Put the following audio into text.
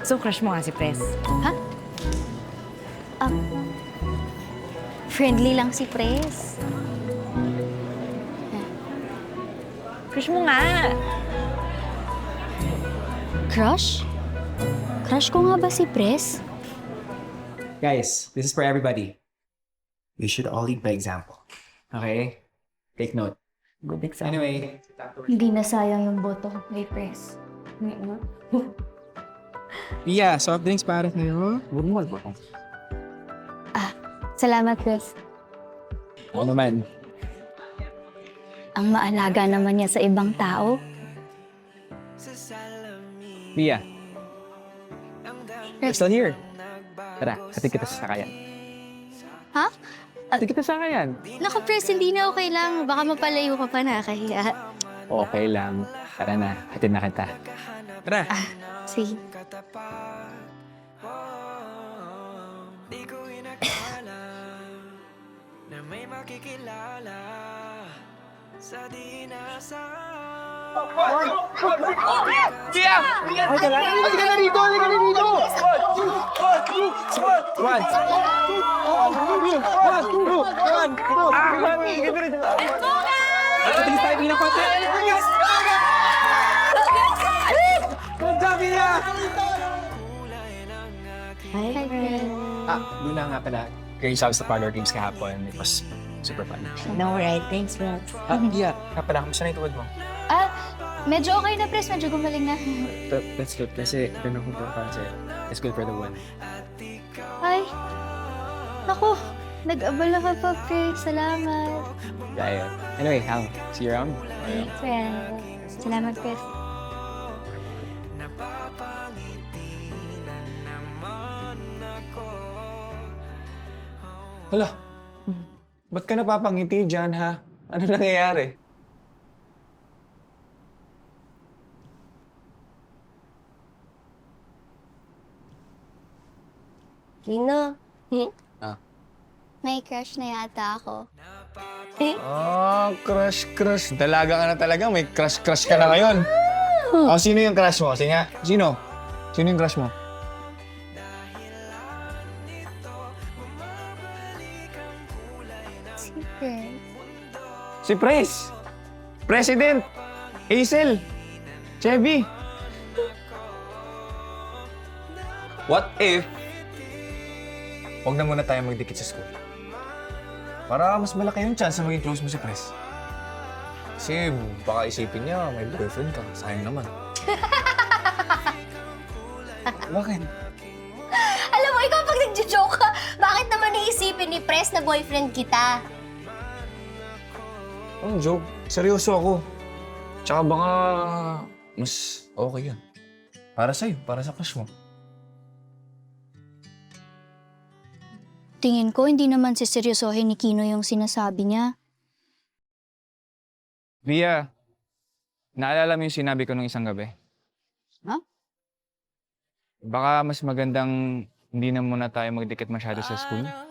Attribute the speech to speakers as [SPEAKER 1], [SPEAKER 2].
[SPEAKER 1] So, crush mo nga si Pres.
[SPEAKER 2] Ha? Friendly lang si Pres.
[SPEAKER 1] Crush mo nga.
[SPEAKER 2] Crush? Crush ko nga ba si Pres?
[SPEAKER 3] Guys, this is for everybody. We should all lead by example. Okay? Take note.
[SPEAKER 1] Good example.
[SPEAKER 3] Anyway,
[SPEAKER 2] Hindi na sayang yung boto ko kay Pres.
[SPEAKER 3] Pia, soft drinks para sa'yo. Burmol ba?
[SPEAKER 2] Salamat, Pres.
[SPEAKER 3] Ako naman.
[SPEAKER 2] Ang maalaga naman niya sa ibang tao.
[SPEAKER 3] Pia. We're still here. Tara, hatid kita sa sakayan.
[SPEAKER 2] Ha?
[SPEAKER 3] Hatid kita sa sakayan.
[SPEAKER 2] Naku, Pres, hindi na okay lang. Baka mapalayo ka pa na, kaya...
[SPEAKER 3] Okay lang. Tara na, hatid na kita. Tara.
[SPEAKER 2] Sige. Hi, Pres.
[SPEAKER 3] Luna nga pala. Grace out sa parlor games kahapon. It was super fun.
[SPEAKER 1] No, right? Thanks, Pres.
[SPEAKER 3] Pia, nga pala, kamusta na yung tuwad mo?
[SPEAKER 2] Medyo okay na, Pres. Medyo gumaling na.
[SPEAKER 3] That's good kasi ganun ko kasi it's good for the one.
[SPEAKER 2] Ay. Naku, nag-abala ka pa, Pres. Salamat.
[SPEAKER 3] Yeah. Anyway, Hal, see you around.
[SPEAKER 2] Thanks, Pres. Salamat, Pres.
[SPEAKER 4] Hala, ba't ka napapangiti dyan, ha? Ano nangyayari?
[SPEAKER 1] Lino.
[SPEAKER 2] May crush na yata ako.
[SPEAKER 4] Crush. Dalaga ka na talaga. May crush ka na ngayon. Oh, sino yung crush mo? Sige nga. Sino? Sino yung crush mo?
[SPEAKER 2] Si Pres.
[SPEAKER 4] Si Pres. President. Hazel. Chevy. What if huwag na muna tayo magdikit sa school? Para mas malaki yung chance na maging close mo si Pres. Kasi baka isipin niya may boyfriend ka. Sayang naman. Bakit?
[SPEAKER 2] Alam mo, ikaw pag nagjo-joke ka, bakit naman iisipin ni Pres na boyfriend kita?
[SPEAKER 4] Anong joke? Seryoso ako. Tsaka baka mas okay yan. Para sa'yo, para sa crush mo.
[SPEAKER 2] Tingin ko, hindi naman siseryosohin ni Kino yung sinasabi niya.
[SPEAKER 5] Via, naalala mo yung sinabi ko nung isang gabi?
[SPEAKER 2] Ha?
[SPEAKER 5] Baka mas magandang hindi na muna tayo magdikit masyado sa school.